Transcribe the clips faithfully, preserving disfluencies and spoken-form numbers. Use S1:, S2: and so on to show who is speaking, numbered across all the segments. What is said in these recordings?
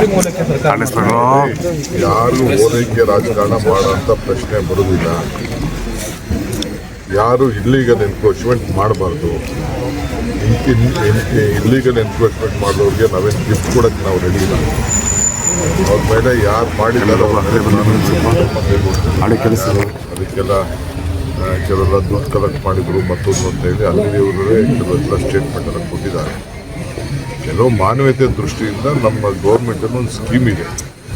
S1: ಮಂತ್ರಿ ಮೂಲಕ ಸರ್ಕಾರ
S2: ಯಾರು ಓಲೈಕೆ ರಾಜಕಾರಣ ಮಾಡೋಂಥ ಪ್ರಶ್ನೆ ಬರುವುದಿಲ್ಲ. ಯಾರು ಇಲ್ಲೀಗಲ್ ಎನ್ಕ್ರೋಚ್ಮೆಂಟ್ ಮಾಡಬಾರ್ದು. ಇಲ್ಲೀಗಲ್ ಎನ್ಕ್ರೋಚ್ಮೆಂಟ್ ಮಾಡೋರಿಗೆ ನಾವೇನು ಗಿಫ್ಟ್ ಕೊಡೋಕ್ಕೆ ನಾವು ರೆಡಿ ಇಲ್ಲ. ಅವ್ರ ಮೇಲೆ ಯಾರು ಮಾಡಿದ್ದಾರೋ ಅದಕ್ಕೆಲ್ಲ ಕೆಲವೆಲ್ಲ ದುಡ್ಡು ಕಲೆಕ್ಟ್ ಮಾಡಿದ್ರು ಮತ್ತೊಂದು ಅಂತ ಹೇಳಿ ಅಲ್ಲಿಯವರೇ ಕೆಲವೆಲ್ಲ ಸ್ಟೇಟ್ಮೆಂಟನ್ನು ಕೊಟ್ಟಿದ್ದಾರೆ. ಕೆಲವು ಮಾನವೀಯತೆ ದೃಷ್ಟಿಯಿಂದ ನಮ್ಮ ಗೌರ್ಮೆಂಟನ್ನು ಒಂದು ಸ್ಕೀಮ್ ಇದೆ,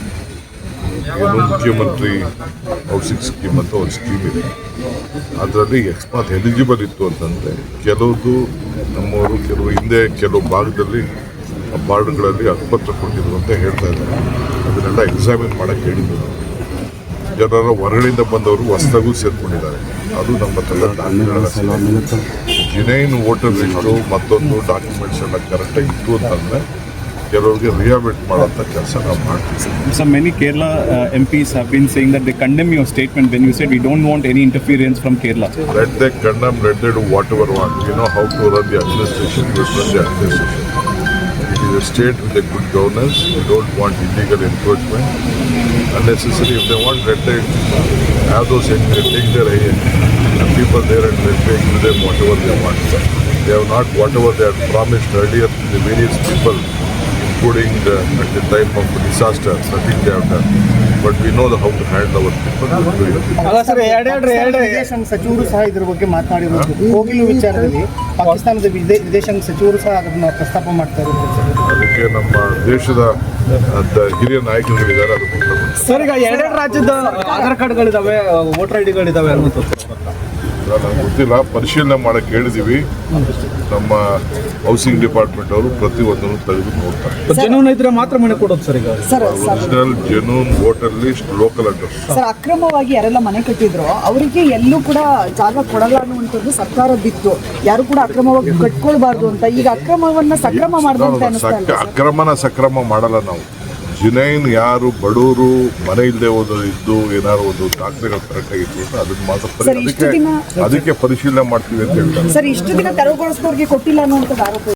S2: ಏನು ಮುಖ್ಯಮಂತ್ರಿ ಹೌಸಿಂಗ್ ಸ್ಕೀಮ್ ಅಂತ ಒಂದು ಸ್ಕೀಮ್ ಇದೆ. ಅದರಲ್ಲಿ ಅಕಸ್ಮಾತ್ ಎಲಿಜಿಬಲ್ ಇತ್ತು ಅಂತಂದರೆ ಕೆಲವುದು ನಮ್ಮವರು ಕೆಲವು ಹಿಂದೆ ಕೆಲವು ಭಾಗದಲ್ಲಿ ವಾರ್ಡ್ಗಳಲ್ಲಿ ಹಕ್ಕುಪತ್ರ ಕೊಟ್ಟಿದ್ರು ಅಂತ ಹೇಳ್ತಾ ಇದ್ದಾರೆ. ಅದನ್ನೆಲ್ಲ ಎಕ್ಸಾಮಿನ್ ಮಾಡೋಕ್ಕೆ ಹೇಳಿದ್ರು. ಜನರ ಹೊರಗಡೆಯಿಂದ ಬಂದವರು ಹೊಸದಾಗೂ ಸೇರ್ಕೊಂಡಿದ್ದಾರೆ. ಅದು ನಮ್ಮ ಹತ್ರ ಜಿನೈನ್ ವೋಟರ್ ಲಿಸ್ಟು ಮತ್ತೊಂದು ಡಾಕ್ಯುಮೆಂಟ್ಸ್ ಎಲ್ಲ ಕರೆಕ್ಟಾಗಿ ಇತ್ತು ಅಂತಂದರೆ ಕೆಲವರಿಗೆ ರಿಹಾಬಿಲಿಟ್ ಮಾಡೋಂಥ ಕೆಲಸ ನಾವು ಮಾಡ್ತೀವಿ.
S1: So many Kerala uh, M Ps have been saying that they condemn your statement when you said we don't want any interference from Kerala.
S2: Let they condemn, let they do whatever want. We know how to run the administration, we run the administration. It is a state with a good governance. We don't want illegal encroachment. Unnecessary, if they want, let they have those, take their uh, people there and let they give them whatever they want. They have not whatever they had promised earlier to the various people, including the, at the time of disaster, nothing they have done. But we know the, how to handle our people.
S3: ಅಲ್ಲ sir, ಎರಡೆರಡು ಎರಡು ವಿದೇಶಾಂಗ ಸಚಿವರು ಸಹ ಇದ್ರ ಬಗ್ಗೆ ಮಾತನಾಡಿರೋದು. ಕೋಗಿಲು ವಿಚಾರದಲ್ಲಿ ಪಾಕಿಸ್ತಾನದ ವಿದೇಶಾಂಗ ಸಚಿವರು ಸಹ ಅದನ್ನು ಪ್ರಸ್ತಾಪ ಮಾಡ್ತಾ ಇರೋದು.
S2: ಅದಕ್ಕೆ ನಮ್ಮ ದೇಶದ ಹಿರಿಯ ನಾಯಕರುಗಳಿದ್ದಾರೆ. ಅದು
S3: ಸರ್, ಈಗ ಎರಡೆರಡು ರಾಜ್ಯದ ಆಧಾರ್ ಕಾರ್ಡ್ಗಳಿದಾವೆ, ವೋಟರ್ ಐ ಡಿಗಳಿದಾವೆ ಅನ್ನೋದು
S2: ನಮ್ಗೆ ಗೊತ್ತಿಲ್ಲ. ಪರಿಶೀಲನೆ ಮಾಡಕ್ಕೆ ಹೇಳಿದೀವಿ. ನಮ್ಮ ಹೌಸಿಂಗ್ ಡಿಪಾರ್ಟ್ಮೆಂಟ್ ಅವರು ಪ್ರತಿಯೊಂದನ್ನು ತೆಗೆದು ನೋಡ್ತಾರೆ.
S3: ಜನೂನ್ ಇದ್ರೆ ಮಾತ್ರ ಮನೆ ಕೊಡೋದು ಸರ್. ಈಗ
S2: original genuine voter list, local address.
S4: Sir, ಅಕ್ರಮವಾಗಿ ಯಾರೆಲ್ಲ ಮನೆ ಕಟ್ಟಿದ್ರು ಅವರಿಗೆ ಎಲ್ಲೂ ಕೂಡ ಜಾಗ ಕೊಡಲ್ಲ ಅನ್ನುವಂಥದ್ದು ಸರ್ಕಾರದಿತ್ತು. ಯಾರು ಕೂಡ ಅಕ್ರಮವಾಗಿ ಕಟ್ಕೊಳ್ಬಾರ್ದು ಅಂತ. ಈಗ ಅಕ್ರಮವನ್ನ ಸಕ್ರಮ ಮಾಡಿದಂತೆ
S2: ಅಕ್ರಮನ ಸಕ್ರಮ ಮಾಡಲ್ಲ ನಾವು. ಜಿನೈನ್ ಯಾರು ಬಡವರು ಮನೆ ಇಲ್ಲದೆ ಹೋದ ಇದ್ದು ಏನಾದ್ರು ಒಂದು ದಾಖಲೆಗಳು ಕರೆಕ್ಟ್ ಆಗಿತ್ತು ಅಂತ ಅದನ್ನ ಮಾತ್ರ ಅದಕ್ಕೆ ಅದಕ್ಕೆ ಪರಿಶೀಲನೆ ಮಾಡ್ತೀವಿ ಅಂತ ಹೇಳ್ತಾರೆ.
S4: ಸರ್, ಇಷ್ಟು ದಿನ ತೆರವುಗೊಳಿಸಿದವ್ರಿಗೆ ಕೊಟ್ಟಿಲ್ಲ ಅನ್ನುವಂಥದ್ದು ಆರೋಪ.